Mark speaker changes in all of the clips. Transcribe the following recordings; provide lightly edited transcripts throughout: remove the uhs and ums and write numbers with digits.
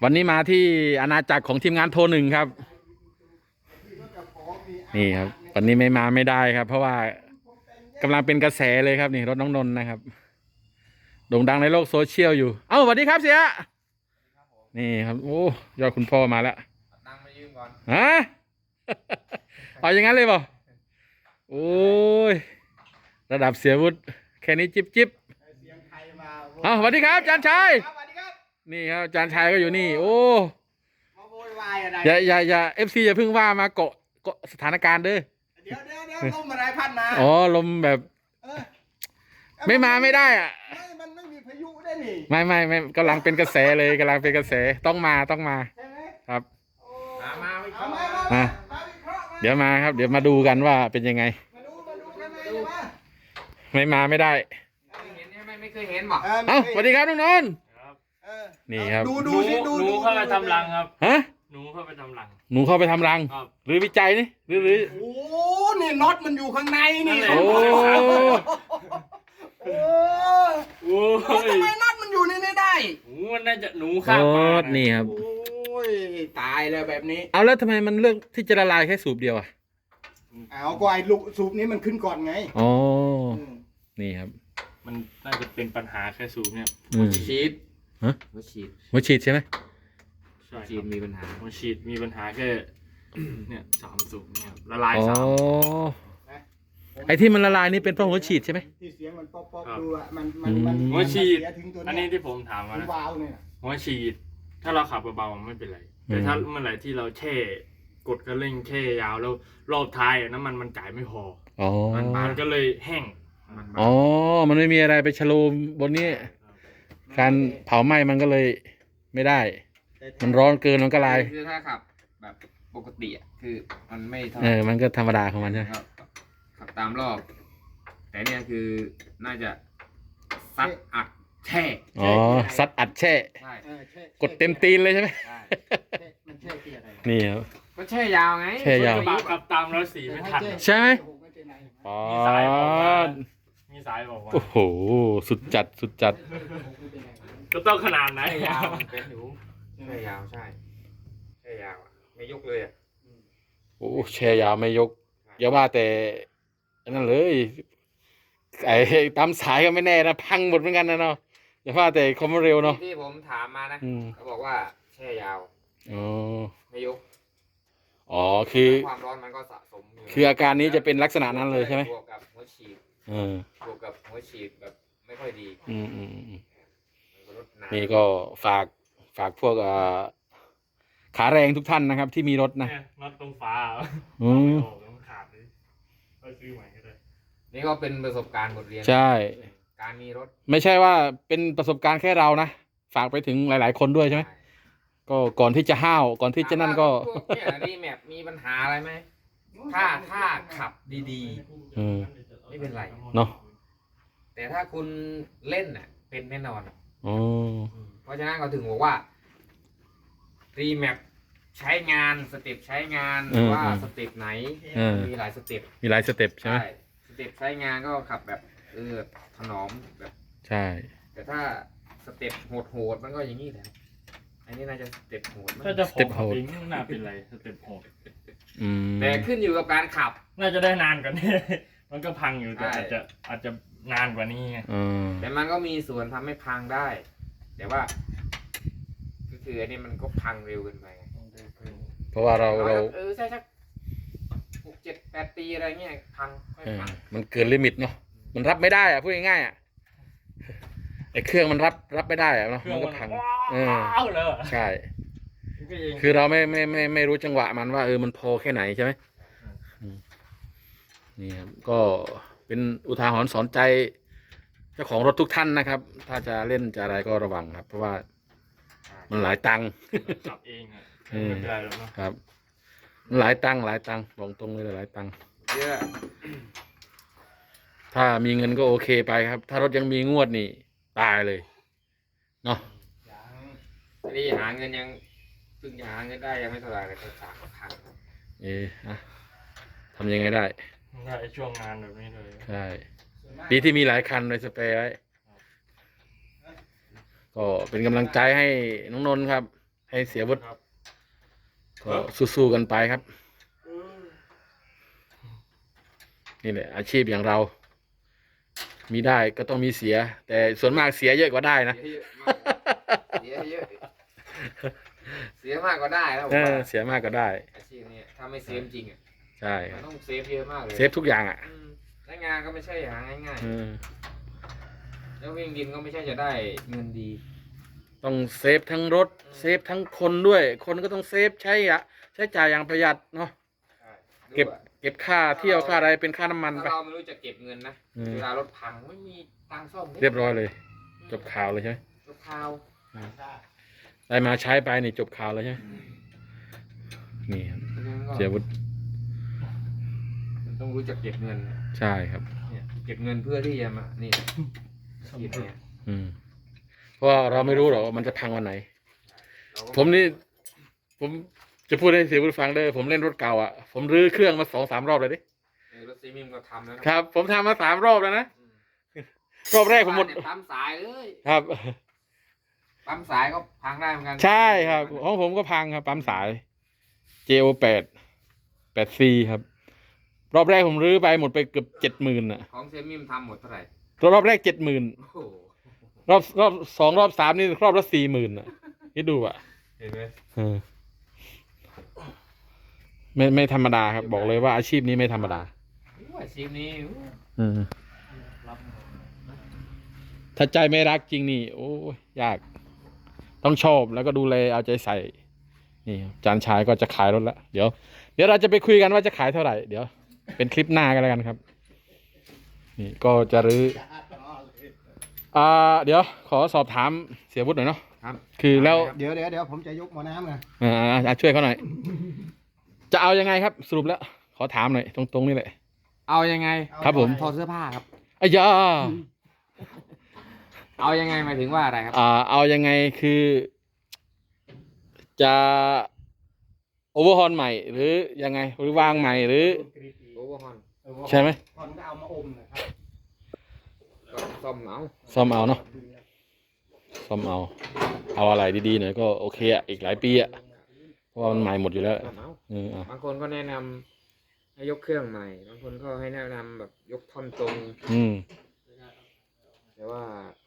Speaker 1: วันนี้มาที่อาณาจักรของทีมงานโทรหนึ่งครับนี่ครับวันนี้ไม่มาไม่ได้ครับ เพราะว่ากำลังเป็นกระแสเลยครับนี่รถน้องนนท์นะครับโด่งดังในโลกโซเชียลอยู่เอ้าสวัสดีครับเสียนี่ครับโอ้ยอดคุณพ่อมาแล้ว
Speaker 2: ตังค์มายืมก่อน
Speaker 1: ฮะ เอาอย่างนั้นเลยเปล่าโอ้ยระดับเสียวุฒิแค่นี้จิ๊บเอ้าสวัสดีครับอาจารย์ชัยนี่ครับอาจารย์ชัยก็อยู่นี่โอ้
Speaker 2: มาโวยวายอะไร
Speaker 1: อย่าFCอย่าเพิ่งว่ามาเกาะสถานการณ์เด้อ
Speaker 2: เดี๋ยวลมอะไรพัดมา
Speaker 1: อ๋อลมแบบไม่มาไม่ได้อ่ะ
Speaker 2: มันไม่มีพายุได้นี่
Speaker 1: ไม่กำลังเป็นกระแสเลยกำลังเป็นกระแสต้องมา
Speaker 2: ใช่ไหม
Speaker 1: ครับ
Speaker 2: มาวิเคราะห์
Speaker 1: เดี๋ยวมาครับเดี๋ยวมาดูกันว่าเป็นยังไง
Speaker 2: มาดูกันไหม
Speaker 1: ไม่มาไม่ได้
Speaker 2: เห็นไม่เคยเห็นบอก
Speaker 1: เอ้าสวัสดีครับน้องนนท์นี่ครับ
Speaker 2: ดู
Speaker 3: เข้าไปทำรังครับ
Speaker 1: ฮะ
Speaker 3: หนูเข้าไปทำรัง
Speaker 1: หนูเข้าไปทำรังหรือวิจัยนี่หรือ
Speaker 2: โอ้นี่น็อตมันอยู่ข้างในนี่
Speaker 1: โอ้
Speaker 3: โอ้
Speaker 2: ทำไมน็อตมันอยู่ในนี้ได้
Speaker 3: มันน่าจะหนูข้ามมา
Speaker 1: นี่ครับ
Speaker 2: โอ้ยตายเลยแบบนี้
Speaker 1: เอาแล้วทำไมมันเลือกที่จะละลายแค่สูบเดียวอ่ะ
Speaker 2: เอาก็ไอ้ลูกสูบนี้มันขึ้นก่อนไง
Speaker 1: อ๋อนี่ครับ
Speaker 3: มันน่าจะเป็นปัญหาแค่สูบเนี่ย
Speaker 2: ฉีด
Speaker 1: ฮะ
Speaker 2: หัว
Speaker 1: ฉีดใช่ไหม
Speaker 2: ฉีดมีปัญหา
Speaker 3: หัวฉีดมีปัญหาแค่เนี่ย3 สูบเนี่ยละลาย3
Speaker 1: ไอ้ที่มันละลายนี่เป็นเพราะหัวฉีดใช่ไหม
Speaker 2: ที่เสียงมันป๊อกดูอ่ะ
Speaker 3: มันหัวฉีดอันนี้ที่ผมถามมานะหัวฉีดถ้าเราขับเบาๆไม่เป็นไรแต่ถ้าเมื่อไหร่ที่เราแช่กดกระเร่งแช่ยาวแล้วรอบท้ายน้ำมันจ่ายไม่พอมันก็เลยแห้ง
Speaker 1: อ๋อมันไม่มีอะไรไปชะโลมบนนี้การเผาไหม้มันก็เลยไม่ได้มันร้อนเกินมันก็ลาย
Speaker 2: คือถ้าขับแบบปกติคือมันไม่
Speaker 1: มันก็ธรรมดาของมันใช่ไหม
Speaker 2: ขับตามรอบแต่เนี่ยคือน่าจะซัดอัดแช่
Speaker 1: อ๋อซัดอัดแช่กดเต็มตีนเลยใช่ไหม
Speaker 2: มันแช่ที่อะไร
Speaker 1: นี่ครับ
Speaker 2: ก็แช่ยาวไง
Speaker 1: แช่ยาว
Speaker 3: ขับตามแล้วสีไม่ทัน
Speaker 1: ใช่ไหมอ๋อ
Speaker 3: มีสายบอกว่า
Speaker 1: โอ้โหสุดจัด
Speaker 3: ก็ต้องขนาดไหน
Speaker 2: ยาวเป็นอยู่แช่ยาวใช่แช่ยาวไม่ยกเลย
Speaker 1: โอ้แช่ยาวไม่ยกอย่าว่าแต่นั่นเลยไอ้ตามสายก็ไม่แน่นะพังหมดเหมือนกันนะเนาะอย่าว่าแต่คอมเร็วเนาะ
Speaker 2: ที่ผมถามมานะเขาบอกว่าแช่ยาวไม่ยก
Speaker 1: อ๋อคือ
Speaker 2: ความร้อนมันก็สะสม
Speaker 1: คืออาการนี้จะเป็นลักษณะนั้นเลยใช่ไหม
Speaker 2: บวกกับหัวฉีดบวกกับหัวฉีดแบบไม่ค่อยดี
Speaker 1: นี่ก็ฝากพวกขาแรงทุกท่านนะครับที่มีรถนะ
Speaker 3: น็อตตรงฟ้าต้องขาดเลยก็ซื้อใหม่ก็ได้
Speaker 2: นี่ก็เป็นประสบการณ์บทเรียน
Speaker 1: ใช่
Speaker 2: การมีรถ
Speaker 1: ไม่ใช่ว่าเป็นประสบการณ์แค่เรานะฝากไปถึงหลายๆคนด้วยใช่ไหมก็ก่อนที่จะห้าวก่อนที่จะนั่นก็
Speaker 2: เนี่ยรีแมปมีปัญหาอะไรไหมถ้าขับดีๆไม่เป็นไร
Speaker 1: เนาะ
Speaker 2: แต่ถ้าคุณเล่นเป็นแน่นอนเพราะฉะนั้นเขาถึงบอกว่ารีแมปใช้งานสเต็ปใช้งานว่าสเต็ปไหนมีหลายสเต็ป
Speaker 1: ใช่ไหม
Speaker 2: สเต็ปใช้งานก็ขับแบบถนอมแบบ
Speaker 1: ใช่
Speaker 2: แต่ถ้าสเต็ปโหดมันก็อย่างนี้แหละอันนี้น่าจะสเต็ปโหด
Speaker 3: ถ้าจะสเต็ปโหดน่าเป็นไรสเต็ปโหด
Speaker 2: แต่ขึ้นอยู่กับการขับ
Speaker 3: น่าจะได้นานกว่านี้มันก็พังอยู่แต่อาจจะนานกว่านี้ไง
Speaker 2: แต่มันก็มีส่วนทำให้พังได้แต่ว่าก็คืออันนี้มันก็พังเร็วเกินไป
Speaker 1: เพราะว่าเรา
Speaker 2: ใช่สัก6 7 8 ปีอะไรเงี้ยพัง
Speaker 1: มันเกินลิมิตเนาะมันรับไม่ได้พูดง่ายๆไอ้เครื่องมันรับไม่ได้เนาะมันก็พังใช่คือเราไม่รู้จังหวะมันว่ามันพอแค่ไหนใช่ไหมนี่ครับก็เป็นอุทาหรณ์สอนใจเจ้าของรถทุกท่านนะครับถ้าจะเล่นจะอะไรก็ระวังครับเพราะว่ามันหลายตังค์
Speaker 3: ขับเองไม่เป็นไรหรอก
Speaker 1: ครับหลายตังค์บอกตรงเลยหลายตังค์ถ้ามีเงินก็โอเคไปครับถ้ารถยังมีงวดนี่ตายเลยเนาะ
Speaker 2: นี่หาเงินยังเพิ่งหาเงินได้ยังไม่เท่าไหร่เลย
Speaker 1: 3,000ทำยังไงได้
Speaker 3: ช่วงงานแบบนี้เลย
Speaker 1: ใช่ดีที่มีหลายคันในสเปรย์ไว้ก็เป็นกำลังใจให้น้องนนท์ครับใให้เสียวุฒิ
Speaker 3: ครับ
Speaker 1: ก็สู้ๆกันไปครับ นี่แหละอาชีพอย่างเรา มีได้ก็ต้องมีเสีย แต่ส่วนมากเสียเยอะกว่าได้นะ
Speaker 2: เสียเยอะเสียมากก็ได้แล้วผม
Speaker 1: เออ
Speaker 2: ว่า
Speaker 1: เสียมากก็ได้
Speaker 2: อาชีพนี้ถ้าไม่เซฟจริงอ่ะ
Speaker 1: ใช่ค
Speaker 2: มั
Speaker 1: รั
Speaker 2: น
Speaker 1: บ
Speaker 2: ต้องเซฟเยอะมากเลย
Speaker 1: เซฟทุกอย่างอ่ะ
Speaker 2: และงานก็ไม่ใช่หาง่าย
Speaker 1: เออ
Speaker 2: ๆแล้ววิ่งดินก็ไม่ใช่จะได้เงินดี
Speaker 1: ต้องเซฟทั้งรถเซฟทั้งคนด้วย คนก็ต้องเซฟใช้จ่ายอย่างประหยัดเนาะ เก็บค่าเที่ยวค่าอะไรเป็นค่าน้ำมัน
Speaker 2: ถ้า
Speaker 1: ไป
Speaker 2: เราไม่รู้จะเก็บเงินนะ
Speaker 1: อืม
Speaker 2: เวลารถพังไม่มีตังค์ซ่อม
Speaker 1: เรียบร้อยเลย จบข่าวเลยใช่ไหม
Speaker 2: รถข่าว
Speaker 1: ได้มาใช้ไปนี่จบข่าวเลยใช่ไหมนี่ครับ
Speaker 2: เพราะฉะนั้นก็
Speaker 1: เสียวุฒิ
Speaker 2: มันต้องรู้จักเก็บเงิน
Speaker 1: ใช่ครับ
Speaker 2: เนี่ยเก็บเงินเพื่อที่จะมานี่อาชีพเนี่ย
Speaker 1: อืมเพราะว่าเราไม่รู้หรอกว่ามันจะพังวันไหน
Speaker 2: เราก็
Speaker 1: ผมนี่ผมจะพูดให้เสียวุฒิฟังเด้อผมเล่นรถเก่าอ่ะผมรื้อเครื่องมา2-3 รอบเลยดิ
Speaker 2: รถซีมิมก็ทำแล้วนะครับ
Speaker 1: ผมทำมา3 รอบแล้วนะ
Speaker 2: อืม
Speaker 1: รอบแรกผมหมด
Speaker 2: บ้านเนี่ยปั๊มสายเลย
Speaker 1: ครับ
Speaker 2: ปั๊มสายก็พังได้เหมือนกัน
Speaker 1: ใช่ครับของผมก็พังครับปั๊มสาย JO8 8C ครับ รอบแรกผมรื้อไปหมดไปเกือบ70,000อ่ะ
Speaker 2: ของเซมิมทำหมดเท่าไหร่
Speaker 1: รอบแรก70,000
Speaker 2: โอ้โห
Speaker 1: รอบ2 รอบ 3นี่รอบละ40,000อ่ะคิดดูอ่ะ
Speaker 2: เห็นไหม
Speaker 1: เออไม่ธรรมดาครับ บอกเลยว่าอาชีพนี้ไม่ธรรมดา
Speaker 2: อาชีพนี้
Speaker 1: อืมถ้าใจไม่รักจริงนี่ โอ้ยยาก ต้องชอบแล้วก็ดูแลเอาใจใส่ นี่ครับจานชายก็จะขายรถแล้วเดี๋ยวเราจะไปคุยกันว่าจะขายเท่าไหร่ เดี๋ยว เป็นคลิปหน้ากันแล้วกันครับ นี่ก็จะรื้อเดี๋ยวขอสอบถามเสียวุฒิหน่อยเนาะ
Speaker 2: ครับ
Speaker 1: คือแล้ว
Speaker 4: เดี๋ยวผมจะยกหม้อน้ำไง
Speaker 1: ช่วยเขาหน่อย จะเอายังไงครับ สรุปแล้ว ขอถามหน่อยตรงๆนี่แหละ
Speaker 2: เอายังไง
Speaker 1: ครับผม
Speaker 2: ถอดเสื้อผ้าครับ
Speaker 1: อ้ยา
Speaker 2: เอายังไงหมายถึงว่าอะไรครับ
Speaker 1: เอายังไงคือ จะโอเวอร์ฮอนใหม่ หรือยังไงหรือวางใหม่หรือ
Speaker 2: โอเวอร์ฮอน
Speaker 1: ใช่ไหม
Speaker 4: ก่อนก็เอามาอมนะครับ
Speaker 2: ก็ซ่อมเอา
Speaker 1: ซ่อมเอาเนาะซ่อมเอาอะไรดีๆหน่อยก็โอเคอ่ะอีกหลายปีอ่ะเพราะว่ามันใหม่หมดอยู่แล้ว
Speaker 2: ซ่อมเอา
Speaker 1: อ่ะ
Speaker 2: บางคนก็แนะนำให้ยกเครื่องใหม่ บางคนก็ให้แนะนำแบบยกท่อนตรง
Speaker 1: อืม
Speaker 2: แต่ว่า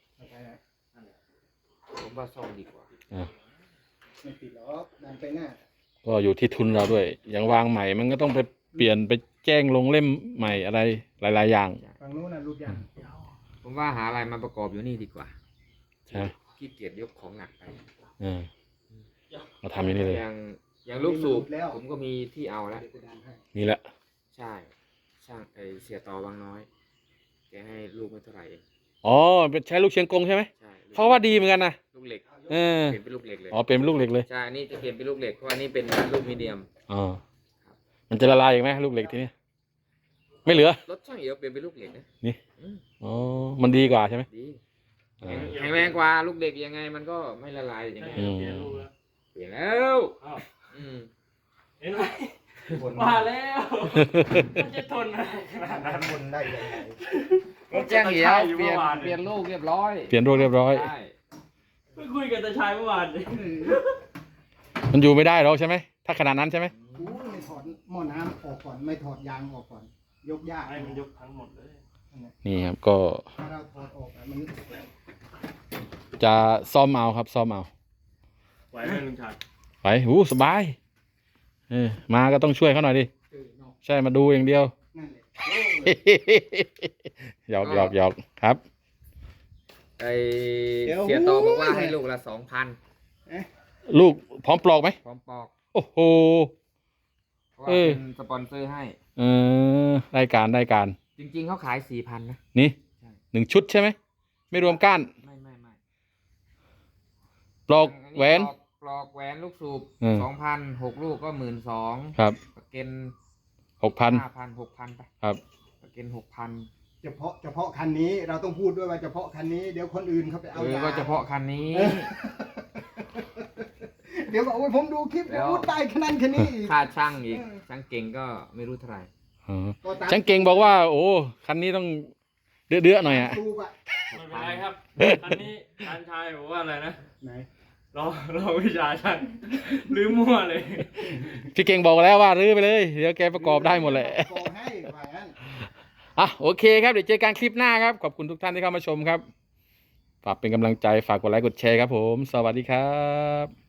Speaker 2: ผมว่าซ่อมดีกว่า
Speaker 4: ไม่ติดหรอกดันไปหน้า
Speaker 1: ก็อยู่ที่ทุนเราด้วย อย่างวางใหม่มันก็ต้องไปเปลี่ยนไปแจ้งลงเล่มใหม่อะไรหลายๆอย่าง
Speaker 4: ฝั่งนู้นน่ะรูดยาง
Speaker 2: ผมว่าหาอะไรมาประกอบอยู่นี่ดีกว่า
Speaker 1: ใช่ไหม
Speaker 2: ขี้เกียจยกของหนักไป
Speaker 1: เราทำอย่างนี้เลย
Speaker 2: อย่างลูกสูบผมก็มีที่เอาแล้ว
Speaker 4: เดี๋ยวกูดันให้
Speaker 1: นี่แหละ
Speaker 2: ใช่ ช่างเสียต่อบางน้อย แกให้ลูกไม่เท่าไหร่เอง
Speaker 1: อ๋อเป็นใช้ลูกเชียงกงใช่ไหม
Speaker 2: ใช่
Speaker 1: เพราะว่าดีเหมือนกันนะ
Speaker 2: ลูกเหล็ก
Speaker 1: เออ
Speaker 2: เปลี่ยนเป็นลูกเหล็กเลย
Speaker 1: อ๋อเป็นลูกเหล็กเลย
Speaker 2: ใช่อันนี้จะเปลี่ยนเป็นลูกเหล็กเพราะอันนี้เป็นลูกมีเดียม
Speaker 1: อ๋อมันจะละลายอีกไหมลูกเหล็กทีนี้ไม่เหลือ
Speaker 2: รถช่างเอียวเปลี่ยนเป็นลูกเหล็กนะ
Speaker 1: นี่
Speaker 2: อืม
Speaker 1: อ๋อมันดีกว่าใช่ไหม
Speaker 2: ดี
Speaker 1: อ่า
Speaker 2: แข็งแรงกว่าลูกเหล็กยังไงมันก็ไม่ละลายยังไง
Speaker 1: อืม
Speaker 3: เปลี่ยนรูปแล้ว
Speaker 2: เปลี่ยนแล้ว
Speaker 3: อ้าว
Speaker 2: อืม
Speaker 3: เห็นไหม
Speaker 4: บน
Speaker 3: มาแล้วมันจะทนอะไรขนาดนั้น
Speaker 4: บนได้ยังไง
Speaker 2: รถช่างเอียวเปลี่ยนลูกเรียบร้อย
Speaker 1: เปลี่ยนรูปเรียบร้อย
Speaker 2: ใช่
Speaker 3: เพิ่งคุยกับตาชายเมื่อวานเลย
Speaker 1: มันอยู่ไม่ได้หรอกใช่ไหมถ้าขนาดนั้นใช่ไหม
Speaker 4: กูไม่ถอดหม้อน้ำออกก่อนไม่ถอดยางออกก่อน ยกยาก
Speaker 3: ให้มันยกทั้งหมดเลย
Speaker 1: นี่ครับก็
Speaker 4: ถ้าเราถอดออกอะมัน
Speaker 1: จะซ่อมเอาครับซ่อมเอา
Speaker 3: ไหวไหมลุงชาย
Speaker 1: ไปหูสบายมาก็ต้องช่วยเขาหน่อยดิ
Speaker 4: เนาะ
Speaker 1: ใช่มาดูอย่างเดียว
Speaker 4: นั่นแหละ
Speaker 1: หยอกครับ
Speaker 2: ไอเสียต่อบอกว่าให้ลูกละ2,000
Speaker 1: ลูกพร้อมปลอกไหม
Speaker 2: พร้อมปอก
Speaker 1: โอ้โห
Speaker 2: เพราะว่าเป็นสปอนเซอร์ให้
Speaker 1: ได้การ
Speaker 2: จริงๆเขาขาย 4,000 นะ
Speaker 1: นี่
Speaker 2: ใช่
Speaker 1: 1 ชุดใช่ไหมไม่รวมก้าน
Speaker 2: ไม่
Speaker 1: ปลอกแหวน
Speaker 2: ปลอกแหวนลูกสูบ
Speaker 1: อืม
Speaker 2: 2,000 6 ลูกก็12,000
Speaker 1: ครับ
Speaker 2: ประเกน
Speaker 1: 6,000
Speaker 2: 5,000 6,000 ไป
Speaker 1: ครับ
Speaker 2: ประเกน6,000
Speaker 4: เฉพาะคันนี้เราต้องพูดด้วยว่าเฉพาะคันนี้เดี๋ยวคนอื่นเขาไปเอายา
Speaker 2: ก็เฉพาะคันนี้
Speaker 4: เดี๋ยวบอกว่าผมดูคลิป
Speaker 2: แล้ว
Speaker 4: พูดได้ขนาดแค่นี้อีก
Speaker 2: ค่าช่างอีก ช่างเก่งก็ไม่รู้เท่าไหร่
Speaker 4: ก็ตาม
Speaker 1: ช่างเก่งบอกว่า โอ้คันนี้ต้องเดือดๆหน่อยอ่ะ
Speaker 4: สูบอะ
Speaker 3: ไม่เป็นไรครับ อันนี้ตาชายบอกว่าอะไรนะ
Speaker 4: ไหน
Speaker 3: รอวิชาช่างรื้อมั่วเลย
Speaker 1: พี่เก่งบอกแล้วว่ารื้อไปเลยเดี๋ยวแกประกอบได้หมดแหละ
Speaker 4: โกงให้ว่างั้น
Speaker 1: อ่ะโอเคครับเดี๋ยวเจอกันคลิปหน้าครับขอบคุณทุกท่านที่เข้ามาชมครับฝากเป็นกำลังใจฝากกดไลค์กดแชร์ครับผมสวัสดีครับ